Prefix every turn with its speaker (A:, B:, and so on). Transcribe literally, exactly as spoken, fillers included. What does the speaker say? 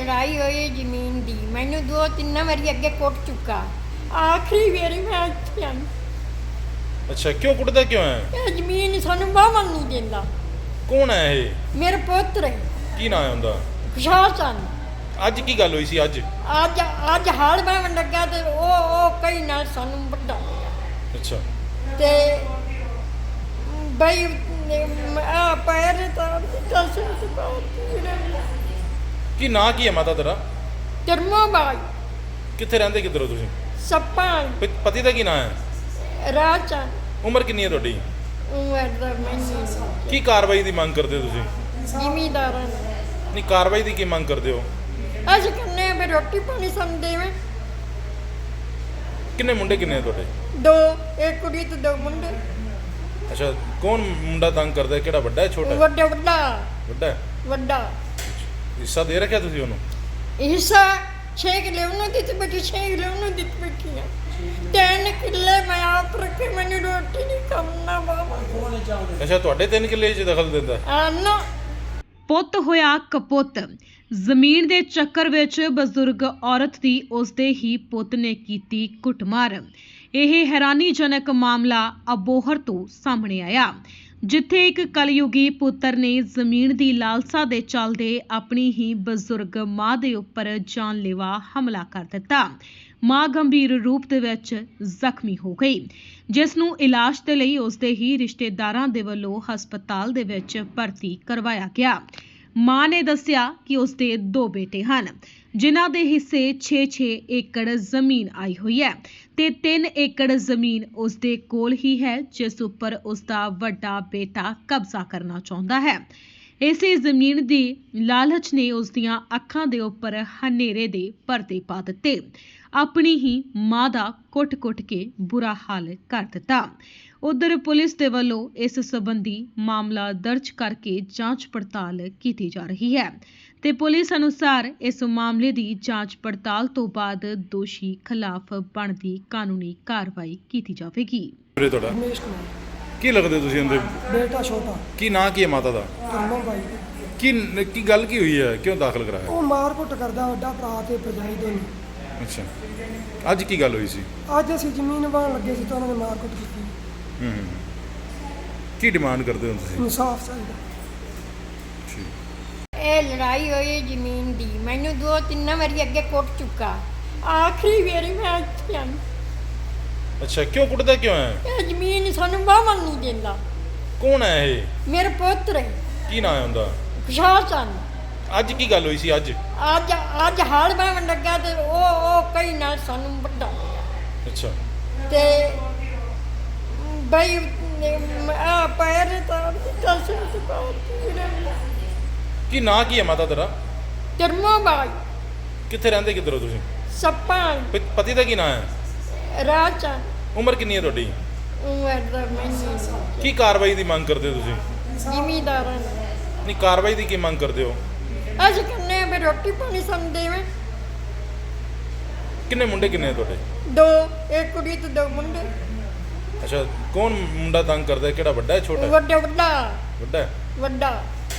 A: ਲੜਾਈ ਹੋਈ ਜ਼ਮੀਨ ਦੀ। ਮੈਨੂੰ ਦੋ ਤਿੰਨ ਵਾਰੀ ਅੱਗੇ ਕੁੱਟ ਚੁੱਕਾ। ਆਖਰੀ ਵਾਰੀ ਮੈਂ ਇੱਥੇ ਆਈ।
B: ਅੱਛਾ, ਕਿਉਂ ਕੁੱਟਦਾ ਕਿਉਂ ਹੈ?
A: ਇਹ ਜ਼ਮੀਨ ਸਾਨੂੰ ਵਾਹਣ ਨਹੀਂ ਦਿੰਦਾ।
B: ਕੌਣ ਹੈ ਇਹ?
A: ਮੇਰੇ ਪੁੱਤਰ ਹੈ
B: ਕੀ ਨਾਂ ਹੈ ਉਹਦਾ?
A: ਖੁਸ਼ਹਾਲ ਚੰਦ।
B: ਅੱਜ ਕੀ ਗੱਲ ਹੋਈ ਸੀ? ਅੱਜ
A: ਅੱਜ ਅੱਜ ਹਾਲ ਬਾਵਣ ਲੱਗਾ ਤੇ ਉਹ ਉਹ ਕਈ ਨਾਲ ਸਾਨੂੰ ਵੱਡਾ
B: ਅੱਛਾ
A: ਤੇ ਬਈ ਆ ਪੈਰ ਤਾਂ ਦੱਸ
B: ਕੀ ਨਾਂ ਕੀ ਹੈ ਮਾਤਾ ਤੇਰਾ?
A: ਕਰਮੋ ਬਾਈ।
B: ਕਿੱਥੇ ਰਹਿੰਦੇ, ਕਿੱਧਰੋਂ ਤੁਸੀਂ?
A: ਸੱਪਾਂ
B: ਪ- ਪਤੀ ਦਾ ਕੀ ਨਾਂ ਹੈ?
A: ਰਾਚਾ
B: ਉਮਰ ਕਿੰਨੀ ਹੈ ਤੁਹਾਡੀ?
A: ਉਮਰ ਦਾ ਮੈਨੂੰ
B: ਕੀ ਕਾਰਵਾਈ ਦੀ ਮੰਗ ਕਰਦੇ ਹੋ ਤੁਸੀਂ?
A: ਜ਼ਿਮੀਦਾਰਾਂ ਨੇ
B: ਨਹੀਂ, ਕਾਰਵਾਈ ਦੀ ਕੀ ਮੰਗ ਕਰਦੇ ਹੋ?
A: ਅਸੀਂ ਕਹਿੰਦੇ ਆ ਵੀ ਰੋਟੀ ਪਾਣੀ ਸਾਨੂੰ ਦੇਵੇ।
B: ਕਿੰਨੇ ਮੁੰਡੇ ਕਿੰਨੇ ਆ ਤੁਹਾਡੇ?
A: ਦੋ, ਇੱਕ ਕੁੜੀ ਤੇ ਦੋ ਮੁੰਡੇ।
B: ਅੱਛਾ, ਕੌਣ ਮੁੰਡਾ ਤੰਗ ਕਰਦਾ ਹੈ? ਕਿਹੜਾ, ਵੱਡਾ ਹੈ ਛੋਟਾ ਹੈ?
A: ਵੱਡਾ ਵੱਡਾ
B: ਵੱਡਾ ਹੈ।
A: ਵੱਡਾ
B: ਹਿੱਸਾ ਦੇ ਰੱਖਿਆ ਤੁਸੀਂ ਉਹਨੂੰ?
A: ਹਿੱਸਾ ਛੇ ਕਿੱਲੇ ਉਹਨੂੰ ਦਿੱਤੇ ਬੈਠੀ, ਛੇ ਕਿੱਲੇ ਉਹਨੂੰ ਦਿੱਤੇ ਬੈਠੀ ਆ। ਤਿੰਨ ਕਿੱਲੇ ਮੈਂ ਆਪ ਰੱਖੇ, ਮੈਨੂੰ ਰੋਟੀ ਨਹੀਂ ਖਾਣਾ ਬਾਬਾ।
B: ਅੱਛਾ, ਤੁਹਾਡੇ ਤਿੰਨ ਕਿੱਲੇ 'ਚ ਦਖਲ ਦਿੰਦਾ?
A: ਆਨਾ
C: ਪੁੱਤ ਹੋਇਆ ਕਪੁੱਤ। ਜ਼ਮੀਨ ਦੇ ਚੱਕਰ ਵਿੱਚ ਬਜ਼ੁਰਗ ਔਰਤ ਦੀ ਉਸਦੇ ਹੀ ਪੁੱਤ ਨੇ ਕੀਤੀ ਕੁੱਟਮਾਰ। ਇਹ ਹੈਰਾਨੀਜਨਕ ਮਾਮਲਾ ਅਬੋਹਰ ਤੋਂ ਸਾਹਮਣੇ ਆਇਆ, ਜਿੱਥੇ ਇੱਕ ਕਲਯੁਗੀ ਪੁੱਤਰ ਨੇ ਜ਼ਮੀਨ ਦੀ ਲਾਲਸਾ ਦੇ ਚੱਲਦੇ ਆਪਣੀ ਹੀ ਬਜ਼ੁਰਗ ਮਾਂ ਦੇ ਉੱਪਰ ਜਾਨਲੇਵਾ ਹਮਲਾ ਕਰ ਦਿੱਤਾ। ਮਾਂ ਗੰਭੀਰ ਰੂਪ ਦੇ ਵਿੱਚ ਜ਼ਖਮੀ ਹੋ ਗਈ, ਜਿਸ ਨੂੰ ਇਲਾਜ ਦੇ ਲਈ ਉਸਦੇ ਹੀ ਰਿਸ਼ਤੇਦਾਰਾਂ ਦੇ ਵੱਲੋਂ ਹਸਪਤਾਲ ਦੇ ਵਿੱਚ ਭਰਤੀ ਕਰਵਾਇਆ ਗਿਆ। ਮਾਂ ਨੇ ਦੱਸਿਆ ਕਿ ਉਸਦੇ ਦੋ ਬੇਟੇ ਹਨ, ਜਿਨ੍ਹਾਂ ਦੇ ਹਿੱਸੇ ਛੇ ਛੇ ਏਕੜ ਜ਼ਮੀਨ ਆਈ ਹੋਈ ਹੈ ਤੇ ਤਿੰਨ ਏਕੜ ਜ਼ਮੀਨ ਉਸਦੇ ਕੋਲ ਹੀ ਹੈ, ਜਿਸ ਉੱਪਰ ਉਸਦਾ ਵੱਡਾ ਬੇਟਾ ਕਬਜ਼ਾ ਕਰਨਾ ਚਾਹੁੰਦਾ ਹੈ। ਇਸੇ ਜ਼ਮੀਨ ਦੀ ਲਾਲਚ ਨੇ ਉਸਦੀਆਂ ਅੱਖਾਂ ਦੇ ਉੱਪਰ ਹਨੇਰੇ ਦੇ ਪਰਦੇ ਪਾ ਦਿੱਤੇ। ਆਪਣੀ ਹੀ ਮਾਂ ਦਾ ਕੁੱਟ-ਕੁੱਟ ਕੇ ਬੁਰਾ ਹਾਲ ਕਰ ਦਿੱਤਾ। ਉਧਰ ਪੁਲਿਸ ਦੇ ਵੱਲੋਂ ਇਸ ਸੰਬੰਧੀ ਮਾਮਲਾ ਦਰਜ ਕਰਕੇ ਜਾਂਚ ਪੜਤਾਲ ਕੀਤੀ ਜਾ ਰਹੀ ਹੈ ਤੇ ਪੁਲਿਸ ਅਨੁਸਾਰ ਇਸ ਮਾਮਲੇ ਦੀ ਜਾਂਚ ਪੜਤਾਲ ਤੋਂ ਬਾਅਦ ਦੋਸ਼ੀ ਖਿਲਾਫ ਬਣਦੀ ਕਾਨੂੰਨੀ ਕਾਰਵਾਈ ਕੀਤੀ ਜਾਵੇਗੀ।
B: ਵੀਰੇ ਤੁਹਾਡਾ
D: ਰਮੇਸ਼ ਕੁਮਾਰ।
B: ਕੀ ਲੱਗਦੇ ਤੁਸੀਂ ਉਹਦੇ?
D: ਬੇਟਾ ਛੋਟਾ
B: ਕੀ ਨਾਂ ਕੀ ਹੈ ਮਾਤਾ ਦਾ?
D: ਕਰਮੋ ਬਾਈ।
B: ਕੀ ਕੀ ਗੱਲ ਕੀ ਹੋਈ ਹੈ? ਕਿਉਂ ਦਾਖਲ ਕਰਾਇਆ?
D: ਉਹ ਮਾਰ ਕੁੱਟ ਕਰਦਾ, ਵੱਡਾ ਭਰਾ ਤੇ ਭਰਜਾਈ ਦੋਨੇ।
B: ਅੱਛਾ, ਅੱਜ ਕੀ ਗੱਲ ਹੋਈ ਸੀ?
D: ਅੱਜ ਅਸੀਂ ਜ਼ਮੀਨ ਵਾਹਣ ਲੱਗੇ ਸੀ ਤਾਂ ਉਹਨਾਂ ਨੇ ਮਾਰ ਕੁੱਟ ਕੀਤੀ।
B: ਹੂੰ ਹੂੰ। ਕੀ ਡਿਮਾਂਡ ਕਰਦੇ ਹੋ ਤੁਸੀਂ?
D: ਇਨਸਾਫ ਚਾਹੀਦਾ।
B: ਠੀਕ।
A: ਇਹ ਲੜਾਈ ਹੋਈ ਜ਼ਮੀਨ ਦੀ। ਮੈਨੂੰ ਦੋ ਤਿੰਨ ਵਾਰੀ ਅੱਗੇ ਕੁੱਟ ਚੁੱਕਾ। ਆਖਰੀ ਵਾਰੀ ਮੈਂ ਇੱਥੇ ਆਈ।
B: ਅੱਛਾ, ਕਿਉਂ ਕੁੱਟਦਾ ਕਿਉਂ ਹੈ?
A: ਇਹ ਜ਼ਮੀਨ ਸਾਨੂੰ ਵਾਹਣ ਨਹੀਂ ਦਿੰਦਾ।
B: ਕੌਣ ਹੈ ਇਹ?
A: ਮੇਰੇ ਪੁੱਤਰ ਹੈ
B: ਕੀ ਨਾਂ ਹੈ ਉਹਦਾ?
A: ਖੁਸ਼ਹਾਲ ਚੰਦ।
B: ਅੱਜ ਕੀ ਗੱਲ ਹੋਈ ਸੀ? ਅੱਜ
A: ਅੱਜ ਅੱਜ ਹਾਲ ਬਾਵਣ ਲੱਗਾ ਤੇ ਉਹ ਉਹ ਕਈ ਨਾਲ ਸਾਨੂੰ ਵੱਡਾ
B: ਅੱਛਾ
A: ਤੇ ਬਈ ਆ ਪੈਰ ਤਾਂ ਦੱਸ
B: ਕੀ ਨਾਂ ਕੀ ਹੈ ਮਾਤਾ ਤੇਰਾ?
A: ਕਰਮੋ ਬਾਈ।
B: ਕਿੱਥੇ ਰਹਿੰਦੇ, ਕਿੱਧਰੋਂ ਤੁਸੀਂ?
A: ਸੱਪਾਂ
B: ਪ- ਪਤੀ ਦਾ ਕੀ ਨਾਂ ਹੈ?
A: ਰਾਚਾ।
B: ਉਮਰ ਕਿੰਨੀ ਹੈ ਤੁਹਾਡੀ?
A: ਉਮਰ ਦਾ ਮੈਨੂੰ
B: ਕੀ ਕਾਰਵਾਈ ਦੀ ਮੰਗ ਕਰਦੇ ਹੋ ਤੁਸੀਂ?
A: ਜ਼ਿਮੀਦਾਰਾਂ ਨੇ
B: ਨਹੀਂ, ਕਾਰਵਾਈ ਦੀ ਕੀ ਮੰਗ ਕਰਦੇ ਹੋ?
A: ਅਸੀਂ ਕਹਿੰਦੇ ਆ ਵੀ ਰੋਟੀ ਪਾਣੀ ਸਾਨੂੰ ਦੇਵੇ।
B: ਕਿੰਨੇ ਮੁੰਡੇ ਕਿੰਨੇ ਆ ਤੁਹਾਡੇ?
A: ਦੋ, ਇੱਕ ਕੁੜੀ ਤੇ ਦੋ ਮੁੰਡੇ।
B: ਅੱਛਾ, ਕੌਣ ਮੁੰਡਾ ਤੰਗ ਕਰਦਾ ਹੈ? ਕਿਹੜਾ, ਵੱਡਾ ਹੈ ਛੋਟਾ ਹੈ?
A: ਵੱਡਾ ਵੱਡਾ
B: ਵੱਡਾ ਹੈ।
A: ਵੱਡਾ